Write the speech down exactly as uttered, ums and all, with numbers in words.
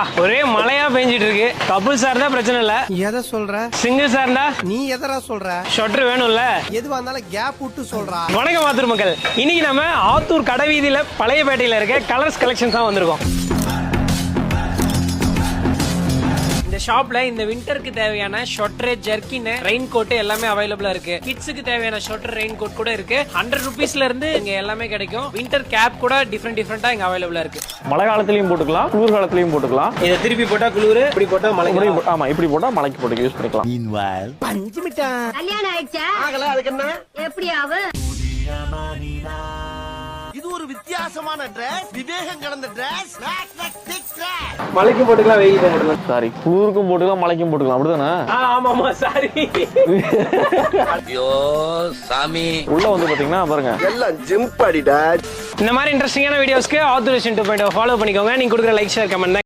ஒரே மழையா பெஞ்சிட்டு இருக்கு. கப்புள்ஸா இருந்தா பிரச்சனை இல்ல. எதை சொல்ற? சிங்கிள்ஸா இருந்தா நீ எதரா சொல்ற? ஷொட்டர் வேணும்ல. எதுவா இருந்தாலும் கேப் விட்டு சொல்றா. வணக்கம் ஆத்தூர் மக்கள். இன்னைக்கு நம்ம ஆத்தூர் கடைவீதியில பழையபேட்டையில இருக்க கலர்ஸ் கலெக்ஷன்ஸ் தான் வந்திருக்கோம். இந்த ஷாப்ல இந்த விண்டருக்கு தேவையான ஷொட்டர், ஜர்க்கின், ரெயின் கோட் எல்லாமே அவைலபிளா இருக்கு. கிட்ஸுக்கு தேவையான ஷொட்டர், ரெயின் கோட் கூட இருக்கு. ஹண்ட்ரட் ருபீஸ்ல இருந்து இங்க எல்லாமே கிடைக்கும். விண்டர் கேப் கூட டிஃப்ரெண்ட் டிஃப்ரெண்டா இங்க அவைலபிளா இருக்கு. மழை காலத்திலயும் போட்டுக்கலாம், குளிர் காலத்திலயும் போட்டுக்கலாம். இதை திருப்பி போட்டா குளிர், இப்படி போட்டா மழை. ஆமா, இப்படி போட்டா மழைக்கு போட்டு யூஸ் பண்ணிக்கலாம். பஞ்சு மிட்டாய் கல்யாணம் ஆயிடுச்சா? ஆகல, அதுக்கு என்ன? எப்படி ஆகும்? இது ஒரு வித்தியாசமான டிரஸ், விவேகம் கலந்த டிரஸ். மழைக்கும் போட்டுக்கலாம், வெயிலுக்கும் போட்டுக்கலாம். சாரி, குளிருக்கும் போட்டுக்கலாம், மழைக்கும் போட்டுக்கலாம். அப்படிதானே? ஆமா ஆமா, சாரி. ஐயோ சாமி. உள்ள வந்து பாத்தீங்கன்னா பாருங்க, எல்லாம் ஜிம் படிடா. இந்த மாதிரி இன்ட்ரெஸ்டிங்கான வீடியோஸ்க்கு ஆத்தூர் டூ பாயிண்ட் ஃபாலோ பண்ணிக்கோங்க. நீங்க கொடுக்குற லைக், ஷேர், கமெண்ட்